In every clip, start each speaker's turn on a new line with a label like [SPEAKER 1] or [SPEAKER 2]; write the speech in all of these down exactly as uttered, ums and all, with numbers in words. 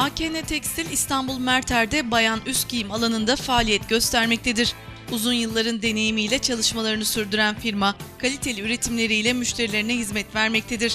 [SPEAKER 1] A K N Tekstil İstanbul Merter'de bayan üst giyim alanında faaliyet göstermektedir. Uzun yılların deneyimiyle çalışmalarını sürdüren firma, kaliteli üretimleriyle müşterilerine hizmet vermektedir.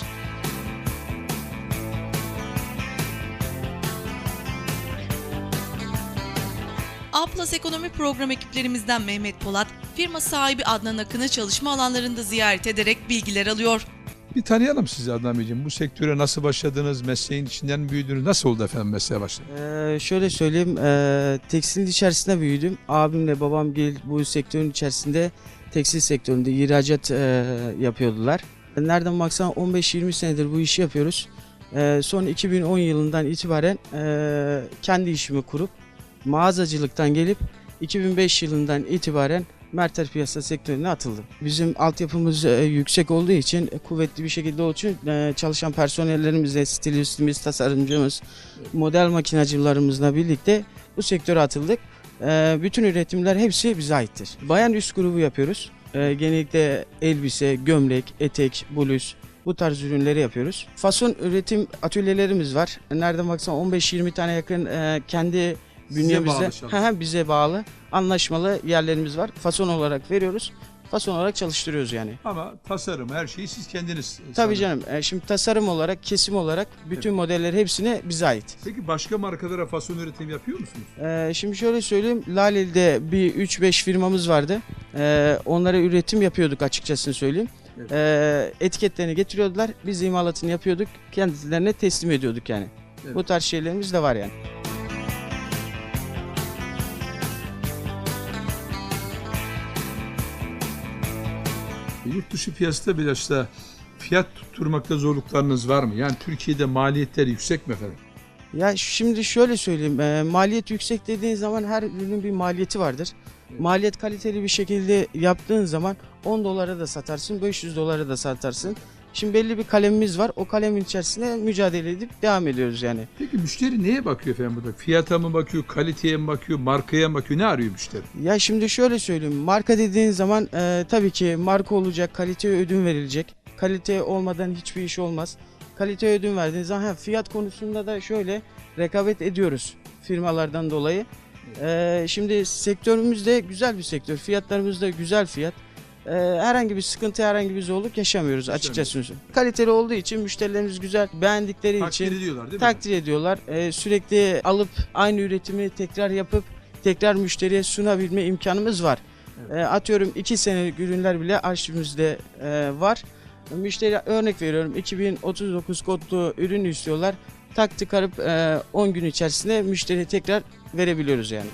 [SPEAKER 1] A Plus Ekonomi Program ekiplerimizden Mehmet Polat, firma sahibi Adnan Akın'ı çalışma alanlarında ziyaret ederek bilgiler alıyor.
[SPEAKER 2] Bir tanıyalım sizi Adnan Beyciğim. Bu sektöre nasıl başladınız? Mesleğin içinden mi büyüdünüz? Nasıl oldu efendim mesleğe başladınız?
[SPEAKER 3] Ee, şöyle söyleyeyim, e, tekstilin içerisinde büyüdüm. Abimle babam bu sektörün içerisinde tekstil sektöründe ihracat e, yapıyordular. Nereden baksan on beş yirmi senedir bu işi yapıyoruz. E, son iki bin on yılından itibaren e, kendi işimi kurup mağazacılıktan gelip iki bin beş yılından itibaren Merter piyasa sektörüne atıldım. Bizim altyapımız e, yüksek olduğu için, e, kuvvetli bir şekilde olduğu için e, çalışan personellerimizle, stilistimiz, tasarımcımız, model makinacılarımızla birlikte bu sektöre atıldık. E, bütün üretimler hepsi bize aittir. Bayan üst grubu yapıyoruz. E, genellikle elbise, gömlek, etek, bluz, bu tarz ürünleri yapıyoruz. Fason üretim atölyelerimiz var. Nereden baksan on beş yirmi tane yakın e, kendi bünyemizde bize, bize bağlı anlaşmalı yerlerimiz var. Fason olarak veriyoruz. Fason olarak çalıştırıyoruz yani.
[SPEAKER 2] Ama tasarım, her şeyi siz kendiniz.
[SPEAKER 3] Tabii canım. E, şimdi tasarım olarak, kesim olarak bütün evet. modeller hepsine bize ait.
[SPEAKER 2] Peki başka markalara fason üretim yapıyor musunuz?
[SPEAKER 3] E, şimdi şöyle söyleyeyim. Laleli'de bir üç beş firmamız vardı. E, onlara üretim yapıyorduk açıkçasını söyleyeyim. Evet. E, etiketlerini getiriyordular. Biz imalatını yapıyorduk. Kendilerine teslim ediyorduk yani. Evet. Bu tarz şeylerimiz de var yani.
[SPEAKER 2] Yurt dışı piyasada biraz da fiyat tutturmakta zorluklarınız var mı? Yani Türkiye'de maliyetler yüksek mi efendim?
[SPEAKER 3] Ya şimdi şöyle söyleyeyim, e, maliyet yüksek dediğin zaman her ürünün bir maliyeti vardır. Evet. Maliyet kaliteli bir şekilde yaptığın zaman on dolara da satarsın, beş yüz dolara da satarsın. Şimdi belli bir kalemimiz var, o kalemin içerisinde mücadele edip devam ediyoruz yani.
[SPEAKER 2] Peki müşteri neye bakıyor efendim burada? Fiyata mı bakıyor, kaliteye mi bakıyor, markaya mı bakıyor, ne arıyor müşteri?
[SPEAKER 3] Ya şimdi şöyle söyleyeyim, marka dediğin zaman e, tabii ki marka olacak, kaliteye ödün verilecek. Kalite olmadan hiçbir iş olmaz. Kaliteye ödün verdiğin zaman fiyat konusunda da şöyle rekabet ediyoruz firmalardan dolayı. E, şimdi sektörümüz de güzel bir sektör, fiyatlarımız da güzel fiyat. Ee, herhangi bir sıkıntı, herhangi bir zorluk yaşamıyoruz açıkçası. Kaliteli olduğu için müşterilerimiz güzel, beğendikleri
[SPEAKER 2] takdir
[SPEAKER 3] için
[SPEAKER 2] ediyorlar, değil mi?
[SPEAKER 3] takdir ediyorlar. Ee, sürekli alıp aynı üretimi tekrar yapıp tekrar müşteriye sunabilme imkanımız var. Evet. Ee, atıyorum iki senelik ürünler bile arşivimizde e, var. Müşteri örnek veriyorum iki bin otuz dokuz kodlu ürün istiyorlar. Tak tıkarıp e, on gün içerisinde müşteriye tekrar verebiliyoruz yani.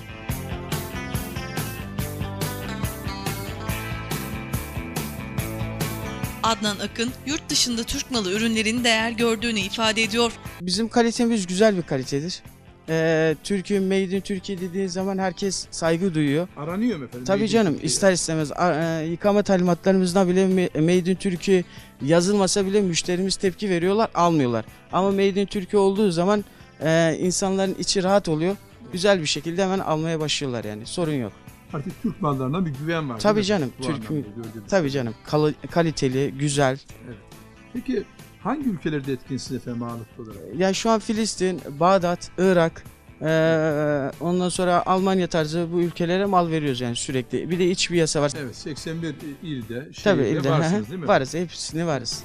[SPEAKER 1] Adnan Akın, yurt dışında Türk malı ürünlerin değer gördüğünü ifade ediyor.
[SPEAKER 3] Bizim kalitemiz güzel bir kalitedir. Ee, Türkiye, Made in Türkiye dediğin zaman herkes saygı duyuyor.
[SPEAKER 2] Aranıyor mu efendim?
[SPEAKER 3] Tabii canım, ister istemez. E, yıkama talimatlarımızda bile Made in Türkiye yazılmasa bile müşterimiz tepki veriyorlar, almıyorlar. Ama Made in Türkiye olduğu zaman e, insanların içi rahat oluyor. Güzel bir şekilde hemen almaya başlıyorlar yani, sorun yok.
[SPEAKER 2] Artık Türk mallarına bir güven var.
[SPEAKER 3] Tabii canım, Türk tabii canım, Kal kaliteli, güzel.
[SPEAKER 2] Evet. Peki hangi ülkelerde etkinsiniz efendim ağırlıklı olarak?
[SPEAKER 3] Ya şu an Filistin, Bağdat, Irak, ee, ondan sonra Almanya tarzı bu ülkelere mal veriyoruz yani sürekli. Bir de iç bir yasa var.
[SPEAKER 2] Evet, seksen bir ilde,
[SPEAKER 3] tabii
[SPEAKER 2] şehirde
[SPEAKER 3] ilde
[SPEAKER 2] varsınız değil mi?
[SPEAKER 3] Varız, hepsini varız.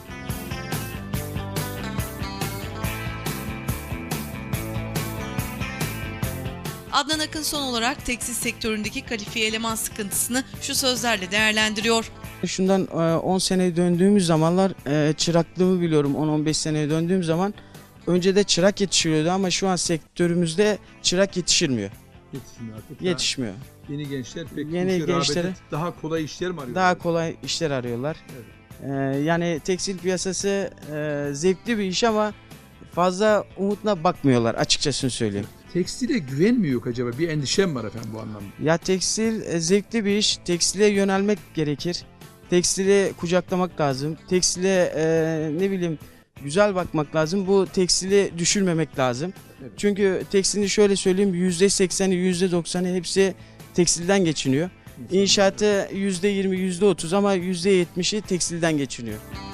[SPEAKER 1] Adnan Akın son olarak tekstil sektöründeki kalifiye eleman sıkıntısını şu sözlerle değerlendiriyor.
[SPEAKER 3] Şundan on seneye döndüğümüz zamanlar çıraklığımı biliyorum, on on beş seneye döndüğüm zaman önce de çırak yetişiyordu ama şu an sektörümüzde çırak yetişilmiyor.
[SPEAKER 2] Yetişmiyor artık.
[SPEAKER 3] Yetişmiyor.
[SPEAKER 2] Yeni gençler pek
[SPEAKER 3] Yeni gençlere
[SPEAKER 2] daha kolay işler mi arıyorlar?
[SPEAKER 3] Daha kolay işler arıyorlar.
[SPEAKER 2] Evet.
[SPEAKER 3] Ee, yani tekstil piyasası e, zevkli bir iş ama fazla umutla bakmıyorlar açıkçası söyleyeyim.
[SPEAKER 2] Tekstile güven mi yok acaba? Bir endişem var efendim bu anlamda.
[SPEAKER 3] Ya tekstil e, zevkli bir iş. Tekstile yönelmek gerekir. Tekstile kucaklamak lazım. Tekstile e, ne bileyim güzel bakmak lazım. Bu tekstili düşürmemek lazım. Evet. Çünkü tekstilin şöyle söyleyeyim yüzde sekseni yüzde doksanı hepsi tekstilden geçiniyor. İnşaatı yüzde yirmi yüzde otuz ama yüzde yetmişi tekstilden geçiniyor.